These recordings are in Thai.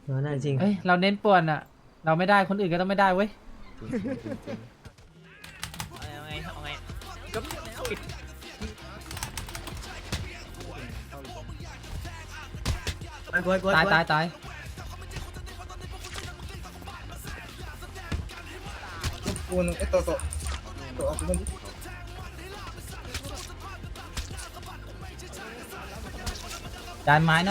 น่าจริงเอ้ยเราเน้นป่วนอ่ะเราไม่ได้คนอื่นก็ต้องไม่ได้เว้ยเอาไงเอาไงก็ปิดตายกูนึงไอ้ตัวออกมันจานไม้นะ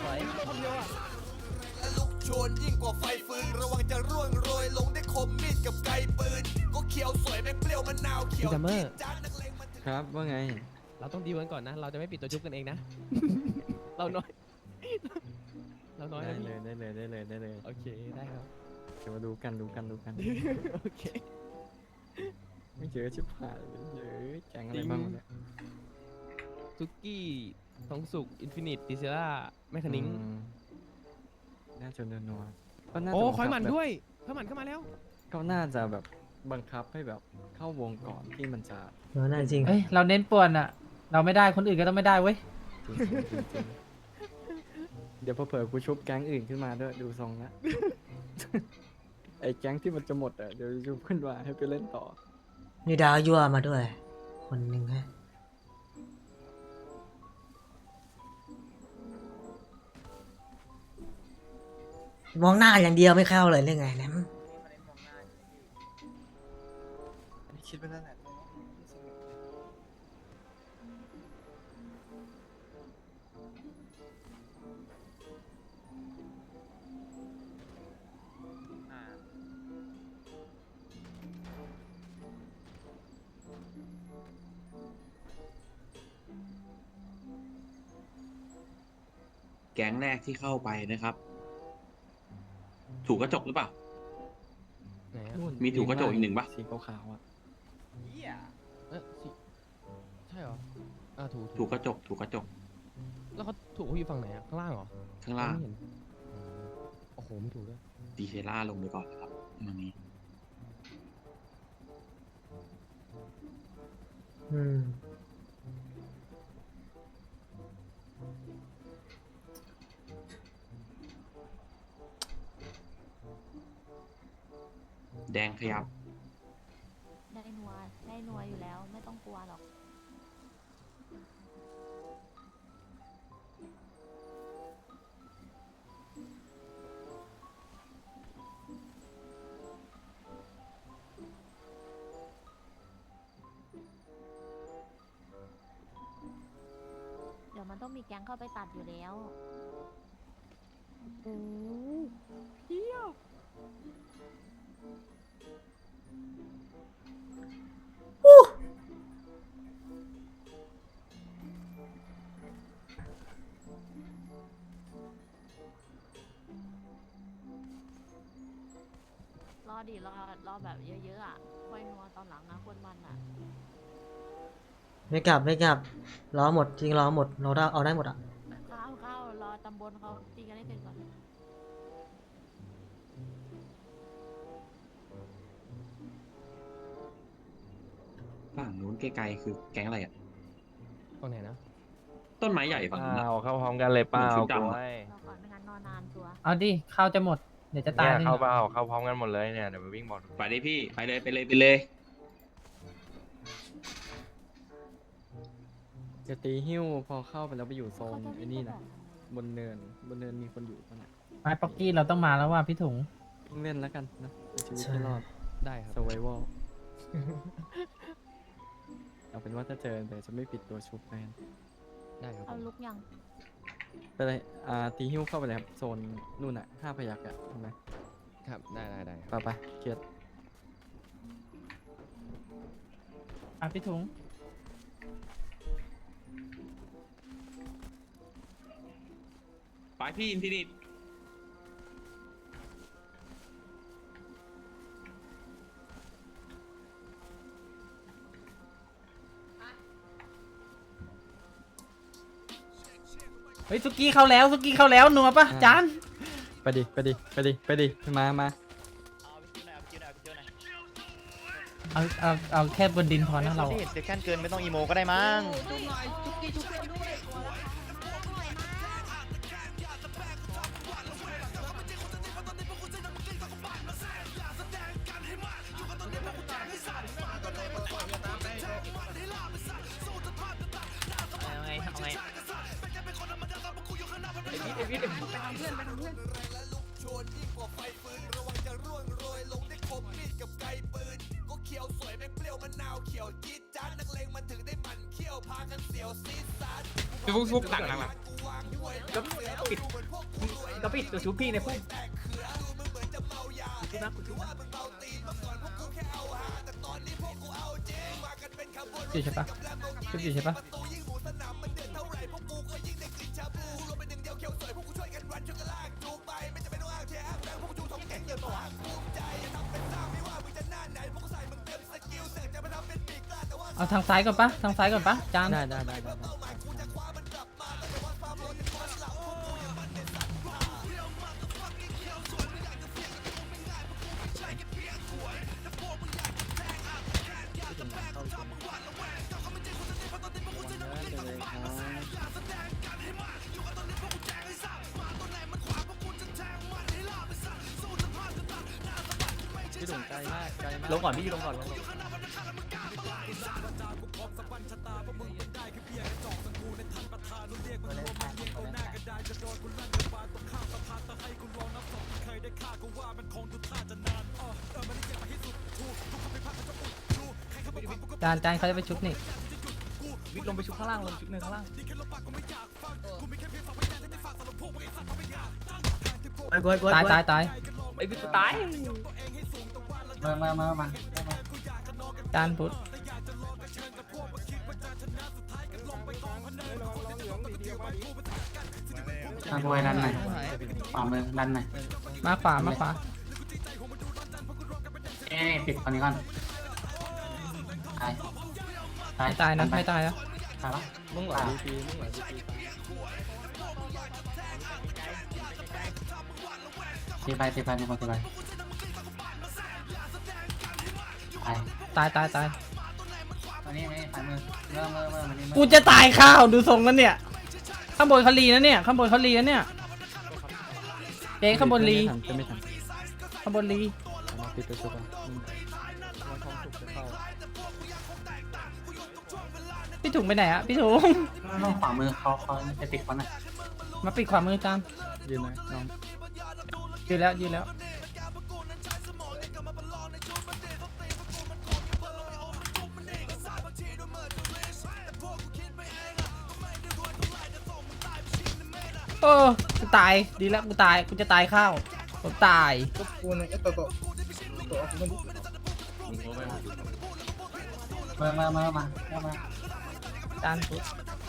ชวนยิ่งกว่าไฟฟืนระวังจะร่วงโรยลงได้คมมีดกับไกปืนก็เขียวสวยแม่งเปรี้ยวมะนาวเขียวจี๊ดจ๊าดนักเลงมันครับว่าไงเราต้องดีลกันก่อนนะเราจะไม่ปิดตัวชุบกันเองนะ เราน้อยเราน้อยได้นะเลยได้เลยได้เลยได้เลยโอเคได้ครับเดี๋ยวมาดูกันโอเคไม่เจอชิบหายเลยเยอะแกงอะไรบ้างวะเนี่ยซุกี้ทองสุกอินฟินิตดิเซล่าแมคคานิงอืมน่าจะนัวๆก็น่าจะโอ้บังคอยหมันแบบด้วยคอยหมันเข้ามาแล้วก็น่าจะแบบบังคับให้แบบเข้าวงก่อนที่มันจะน่าจริงเอ้ยเราเน้นป่วนอ่ะเราไม่ได้คนอื่นก็ต้องไม่ได้เว้ยจริงเดี๋ยวพอเผลอกูชุบแก๊งอื่นขึ้นมาด้วยดูทรงละ ไอ้แก๊งที่มันจะหมดอ่ะเดี๋ยวชุบขึ้นมาให้ไปเล่นต่อมีดาวยั่วมาด้วย คนหนึ่งฮะมองหน้าอย่างเดียวไม่เข้าเลยเรื่องไงนะคิดไปนั่นแหละแก๊งแรกที่เข้าไปนะครับ ถูกกระจกหรือเปล่าไหนอะนู่นมีถูกกระจกอีกหนึ่งปะสีขาวๆอ่ะสิใช่เหรอถูกถูกกระจก ถูกกระจกแล้วเขาถูกเขาอยู่ฝั่งไหนอะข้างล่างเหรอข้างล่างไม่เห็นโอ้โหไม่ถูกด้วยดีเซล่าลงไปก่อนนะครับตรงนี้อืมแดงขยับได้นัวอยู่แล้วไม่ต้องกลัวหรอกเดี๋ยวมันต้องมีแก๊งเข้าไปตัดอยู่แล้วโอ้เพี้ยวรอดิรอแบบเยอะๆอ่ะค่อยนัวตอนหลังนะคนมันอ่ะไม่กลับรอหมดจริงรอหมดเราได้เอาได้หมดอ่ะเข้ารอตำบลเขาตีกันให้เสร็จก่อนฝั่งนู้นไกลๆคือแก๊งอะไรอ่ะฝั่งไหนนะต้นไม้ใหญ่ฝั่งนู้นอะเข้าพร้อมกันเลยเปล่าชุดดำกูอะให้รอก่อนไม่งั้นนอนนานชัวร์เอาดิข้าวจะหมดเดี๋ยวจะตายเนี่ยนี่เข้าเปล่าเข้าพร้อมกันหมดเลยเนี่ยเดี๋ยวไปวิ่งบอกไปเลยพี่ ไปเลยไปเลยไปเลยจะตีหิ้วพอเข้าไปแล้วไปอยู่โซนเขาจะไอ้วิ่งนี่ไปนะบอกบนเนินมีคนอยู่ปะน่ะไม้ป๊อกกี้เราต้องมาแล้วว่าพี่ถุงวิ่งเล่นแล้วกันนะเอาชีวิตให้รอดได้ครับ survival เอาเป็นว่าถ้าเจอแต่จะไม่ปิดตัวชุบแมนได้ครับเอาลุกยังไปเลยตีหิ้วเข้าไปเลยครับโซนนู่นอ่ะ5 พยัคฆ์อ่ะเห็นไหมครับได้ไปเครียดอ่ะพี่ถุงไปพี่อินฟินิตเฮ้ยซุกี้เข้าแล้วนัวปะจานไปดิมาเอาแค่บนดินพอนะเราเซ็กชั่นเกินไม่ต้องอีโมก็ได้มั้งเฟุกหลังก็ปิดตัวชูพี่ในพุ่มอยู่ใช่ปะชุบอยู่ใช่ปะเอาทางซ้ายก่อนปะทางซ้ายก่อนปะจานได้ พี่ถุงไกลมากลงก่อนพี่ลงก่อนจานเขาจะไปชุบนี่วิทลงไปชุบข้างล่างลงชุบหนึ่งข้างล่างตายไอ้วิทตายมาจานพุทธบวยดันหน่อยขวามือดันหน่อยมาขวาปิดคนนี้ก่อนตายไม่ตายนะไม่ตายนะตายปะมึงไหลดีปีตีไปมีคนตีไปตายอันนี้ไม่ฝ่ายมือเมื่อมันนี่กูจะตายข้าวดูทรงแล้วเนี่ยข้างบนเขาลีนะเนี่ยข้างบนเขาลีนะเนี่ยเจ๊ข้างบนลีจะไม่ทันข้างบนลีมาปิดตัวชุบอ่ะพี่ถุงไปไหนอะพี่ถุงต้องขวามือเขาจะติดคนน่ะมาปิดขวามือจานยืนหน่อยน้องยืนแล้วโอ้กูตายดีแล้วกูจะตายข้าวผมตายกูนึงไอ้ตัวออกมาจานพุทธ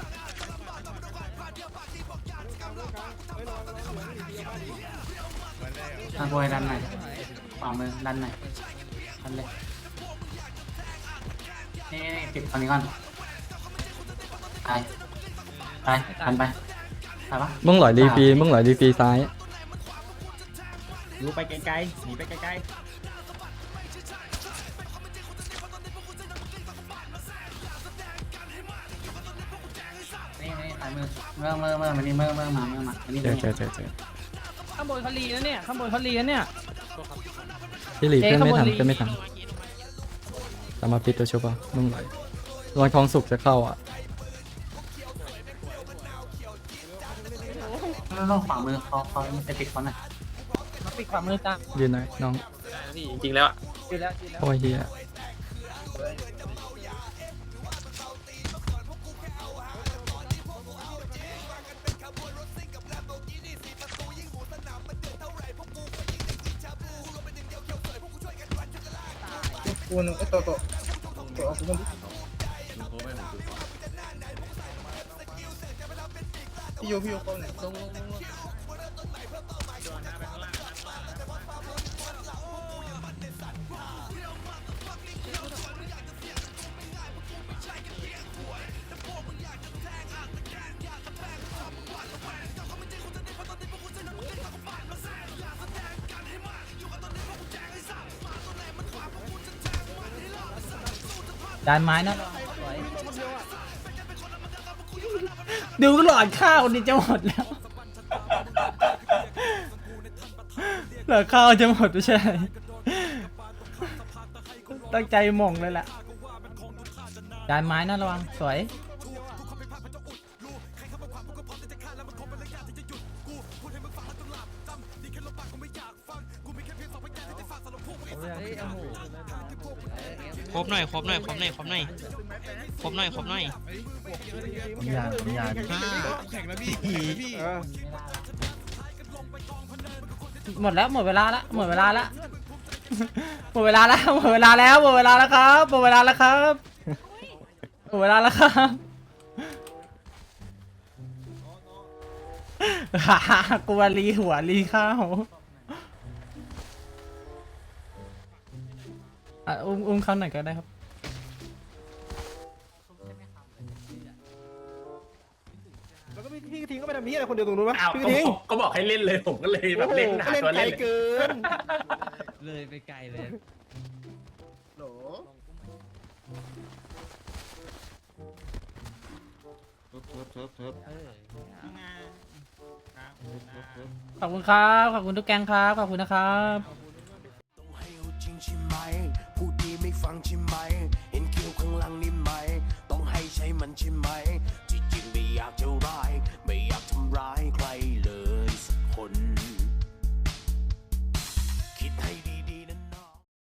บวยดันหน่อยขวามือดันหน่อยดันเลยนี่ปิดคนนี้ก่อนตายดันไปตายปะมึงไหลดีปีซ้ายรู้ไปไกลๆหนีไปไกลนี่ฝ่ายมือเมื่อมันนี่เมื่อมาอันนี้เจอข้างบนเขาลีนะเนี่ยข้างบนเขาลีนะเนี่ยพี่หลีเพื่อนไม่ทันเจ๊ข้างบนลีเพื่อนไม่ทันแต่มาปิดตัวชุบอ่ะมึงไหลรอยทองสุกจะเข้าอ่ะต้องขวามือเขาจะติดคนน่ะมาปิดขวามือจานยืนหน่อยน้องจริงแล้วยืนแล้วโอ้ยเฮียกูนึงไอ้ตัวออกกูพี่โยเขาเนี่ยจานไม้นะดูหลอดข้าวนี่จะหมดแล้วหลอดข้าวจะหมดไม่ใช่ ตั้งใจหม่งเลยแหละจานไม้นะระวังสวยครบหน่อยครบหน่อยครบหน่อยครบหน่อยครบหน่อยครบหน่อยอย่าอย่าหมดแล้วหมดเวลาละหมดเวลาละหมดเวลาแล้วหมดเวลาแล้วหมดเวลาแล้วครับหมดเวลาแล้วครับหมดเวลาแล้วครับกลัวรีหัวรีข้าวอุ้มเขาหน่อยก็ได้ครับแล้วก็พี่กระทิงก็ไปทำนี้อะไรคนเดียวตรงนู้นวะอ้าวพี่กระทิงก็บอกให้เล่นเลยผมก็เลยแบบเล่นหาตัวเล่นเกินเลยไปไกลเลยขอบคุณครับขอบคุณทุกแกงครับขอบคุณนะครับต้องให้เอาจริงใช่ไหมพูดดีไม่ฟังใช่ไหมเห็นคิ้วข้างหลังนี่ไหมต้องให้ใช้มันใช่ไหมที่จริงไม่อยากจะ